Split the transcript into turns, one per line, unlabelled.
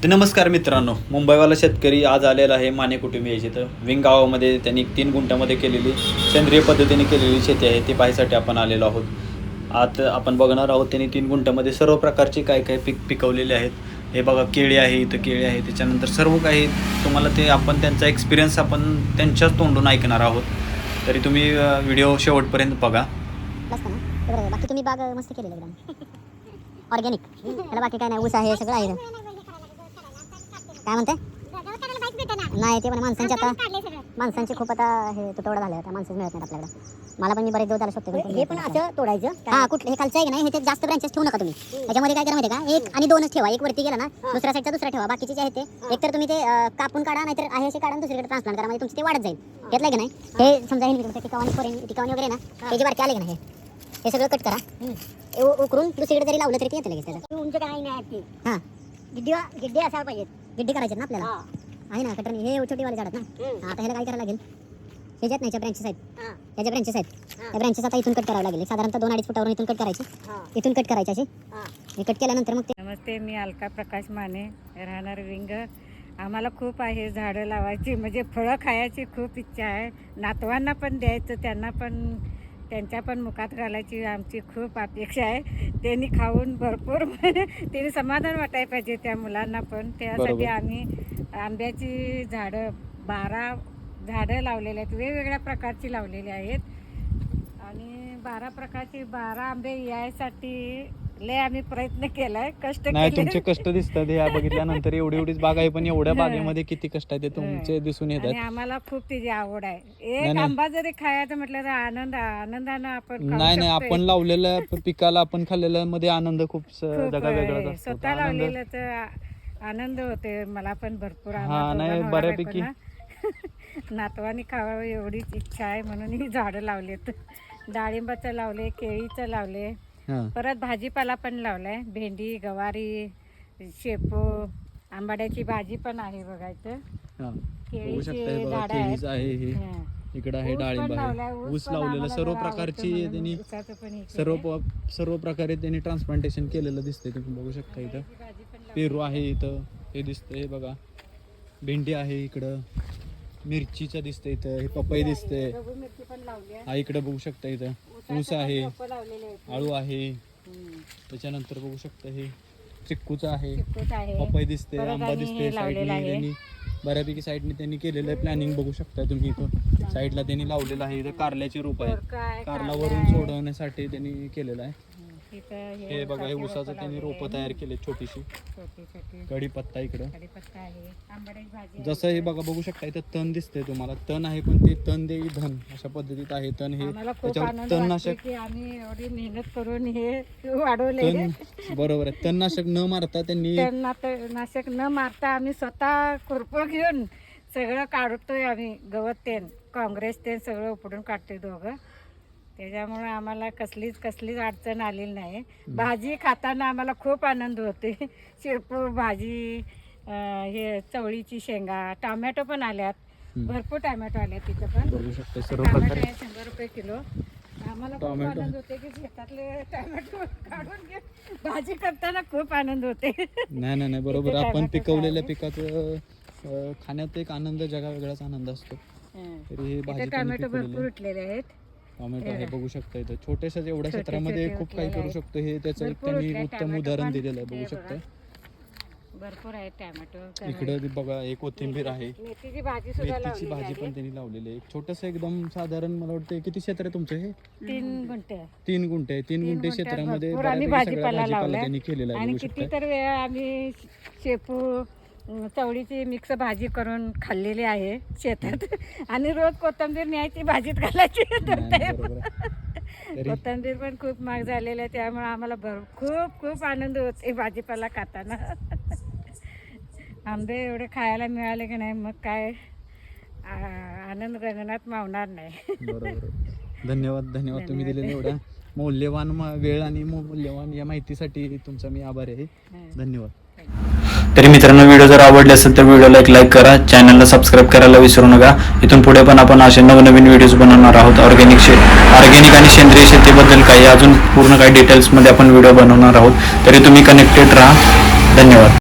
तर नमस्कार मित्रांनो, मुंबईवाला शेतकरी आज आलेला आहे माने कुटुंबी याची. तर विंग गावामध्ये त्यांनी 3 गुंठ्यामध्ये केलेली सेंद्रिय पद्धतीने केलेली शेती आहे ती पाहायसाठी आपण आलेलो आहोत. आता आपण बघणार आहोत त्यांनी 3 गुंठ्यामध्ये सर्व प्रकारचे काय काय पीक पिकवलेले आहेत. हे बघा, केळी आहे, इथं केळी आहे, त्याच्यानंतर सर्व काही तुम्हाला ते आपण त्यांचा एक्सपिरियन्स आपण त्यांच्याच तोंडून ऐकणार आहोत. तरी तुम्ही व्हिडिओ शेवटपर्यंत बघा.
बाकी तुम्ही बाग मस्त केलेलं एकदम ऑर्गॅनिक. त्याला बाकी काय नाही, ऊस आहे, सगळं आहे. काय म्हणते नाही ते पण माणसांची खूप आता हे तुटवडा झाला, आता माणसं मिळत नाहीत आपल्याकडे. मला पण मी बरेच दिवस त्याला शकतो. हे पण असं तोडायचं. हा, कुठलं हे खालचं आहे की नाही, हे जास्त ब्रँचेस ठेवू नका तुम्ही. त्याच्यामध्ये काय करा माहिती का, 1 आणि 2च ठेवा. एक वरती गेला ना, दुसऱ्या साईडचा दुसरा ठेवा. बाकीचे जे आहे ते एकतर तुम्ही ते कापून काढा, नाहीतर आहे असे काढा दुसरीकडे ट्रान्सप्लांट करा, म्हणजे तुमचं ते वाढत जाईल. घेतलं की नाही, हे समजा हे टिकावणी वगैरे ना, हे जे बारके आले की नाही, हे सगळं कट करा. उकरून दुसरीकडे जरी लावलं तरी ते येतं लगेच त्याचं. तुमचं काय नाही. हां, गिड्डी असायला पाहिजेत. गिड्डी करायचे ना आपल्याला, आहे ना कटरनी. हे छोटीवाले झाडात ना. आता ह्याला काय करायला लागेल, हे ज्यात नाही ब्रँचेस आहेत, ह्या ज्या ब्रँचेस आहेत त्या ब्रँचेस आता इथून कट करावं लागेल. साधारणतः 2-2.5 फुटावरून इथून कट करायची, इथून कट करायची अशी. हे कट केल्यानंतर मग ते.
नमस्ते, मी अलका प्रकाश माने, राहणार विंग. आम्हाला खूप आहे झाडं लावायची, म्हणजे फळं खायची खूप इच्छा आहे. नातवांना पण द्यायचं, त्यांना पण त्यांच्या पण मुखात घालायची आमची खूप अपेक्षा आहे. त्यांनी खाऊन भरपूर त्यांनी समाधान वाटायला पाहिजे त्या मुलांना पण. त्यासाठी आम्ही आंब्याची झाडं 12 झाडं लावलेली आहेत, वेगवेगळ्या प्रकारची लावलेली आहेत. आणि 12 प्रकारची 12 आंबे यायसाठी लय आम्ही प्रयत्न केलाय, कष्ट
नाही,
केले.
तुमचे कष्ट दिसतात हे बघितल्यानंतर. एवढीच बाग आहे, पण एवढ्या बागेमध्ये किती कष्ट आहे ते तुमचे दिसून
आणि
येतात.
आम्हाला खूप त्याची आवड आहे. एक आंबा जरी खायचं म्हटलं तर आनंदानं आपण खाऊ
नाही
शकतोय.
आपण लावलेल्या पिकाला आपण खाल्लेल्या मध्ये आनंद खूप
खूप
जगा वेगळाच असतो.
स्वतः लावलेलं तर आनंद होते. मला पण भरपूर
हा, नाही, बऱ्यापैकी.
नातवानी खावावं एवढीच इच्छा आहे, म्हणून ही झाडं लावलेत. डाळिंबाचं लावले, केळीचं लावले, परत भाजीपाला पण लावलाय. भेंडी, गवारी, शेपू, आंबाड्याची भाजी पण आहे बघायचं. केळीची झाडं आहेत.
इकडे आहे डाळिंब आहे, ऊस लावलेलं. सर्व प्रकारची त्यांनी सर्व प्रकारे त्यांनी ट्रान्सप्लांटेशन केलेलं दिसतंय. तुम्ही बघू शकता. इथं पेरू आहे, इथं हे दिसतंय. हे बघा, भेंडी आहे, इकडं मिरचीचं दिसतंय, इथं हे पपई दिसतंय. हा, इकडे बघू शकता. इथं ऊस आहे, आळू आहे, त्याच्यानंतर बघू शकता हे चिक्कूचं आहे, पपई दिसते, आंबा दिसते. साईडने बऱ्यापैकी साईडने त्यांनी केलेलं प्लॅनिंग बघू शकता तुम्ही. इथं साईडला त्यांनी लावलेलं आहे. इथं कारल्याचे रोप आहे, कारलावरून सोडवण्यासाठी त्यांनी केलेलं आहे. हे बघा, हे ऊसाचं त्यांनी रोपं तयार केले, छोटीशी. कढीपत्ता इकडं जसं हे बघा, बघू शकता. इथं तण दिसतंय तुम्हाला. तण आहे, पण ते तण देई धन अशा पद्धतीत आहे. तण हे त्याच्यावर तणनाशक
आम्ही एवढी मेहनत करून हे वाढवले.
बरोबर आहे. तणनाशक न मारता त्यांनी
नाशक न मारता आम्ही स्वतः खुरपं घेऊन सगळं काढतोय. आम्ही गवत तेन, काँग्रेस तेन सगळं उपडून काढतोय दोघं. त्याच्यामुळे आम्हाला कसलीच अडचण आलेली नाही. भाजी खाताना आम्हाला खूप आनंद होते. शेपू भाजी, हे चवळीची शेंगा, टोमॅटो पण आल्यात, भरपूर टोमॅटो आल्यात. तिथं पण टोमॅटो आहे 100 रुपये किलो. आम्हाला खूप आनंद होते की शेतातले टोमॅटो काढून घेऊन भाजी करताना खूप आनंद होते.
नाही बरोबर. आपण पिकवलेल्या पिकाचं खाण्यात एक आनंद, जगा वेगळाच आनंद असतो. तरी हे
टोमॅटो भरपूर उठलेले आहेत.
टोमॅटो आहे, बघू शकता. इथं छोट्याशा एवढ्या क्षेत्रामध्ये खूप काही करू शकतो. हे त्याचं एक त्यांनी उत्तम उदाहरण दिलेलं आहे. बघू शकता,
भरपूर आहे टोमॅटो.
इकडे बघा, एक कोथिंबीर आहे,
मेथीची भाजी
पण त्यांनी लावलेली आहे. एक छोटस एकदम साधारण, मला वाटतं किती क्षेत्र आहे तुमचं हे?
3 गुंठे.
3 गुंठे. 3 गुंठे क्षेत्रामध्ये
भाजीपाला
त्यांनी केलेला आहे.
आणि किती तर वेळा आम्ही शेपू, चवळीची मिक्स भाजी करून खाल्लेली आहे शेतात. आणि रोज कोथिंबीर न्यायची, भाजीत घालायची. कोथिंबीर पण खूप महाग झालेली आहे, त्यामुळे आम्हाला खूप आनंद होते भाजीपाला खाताना. आंबे एवढे खायला मिळाले की नाही, मग काय आनंद गगनात मावणार नाही.
धन्यवाद तुम्ही दिलेल्या एवढ्या मौल्यवान वेळ आणि मौल्यवान या माहितीसाठी तुमचा मी आभारी आहे. धन्यवाद. तरी मित्रांनो, व्हिडिओ जर आवडले असेल तर व्हिडिओला एक लाईक करा, चॅनलला सबस्क्राईब करायला विसरू नका. इथून पुढे पण आपण असे नवनवीन व्हिडिओज बनवणार आहोत. ऑर्गॅनिक आणि सेंद्रिय शेतीबद्दल काही अजून पूर्ण काही डिटेल्समध्ये आपण व्हिडिओ बनवणार आहोत. तरी तुम्ही कनेक्टेड राहा. धन्यवाद.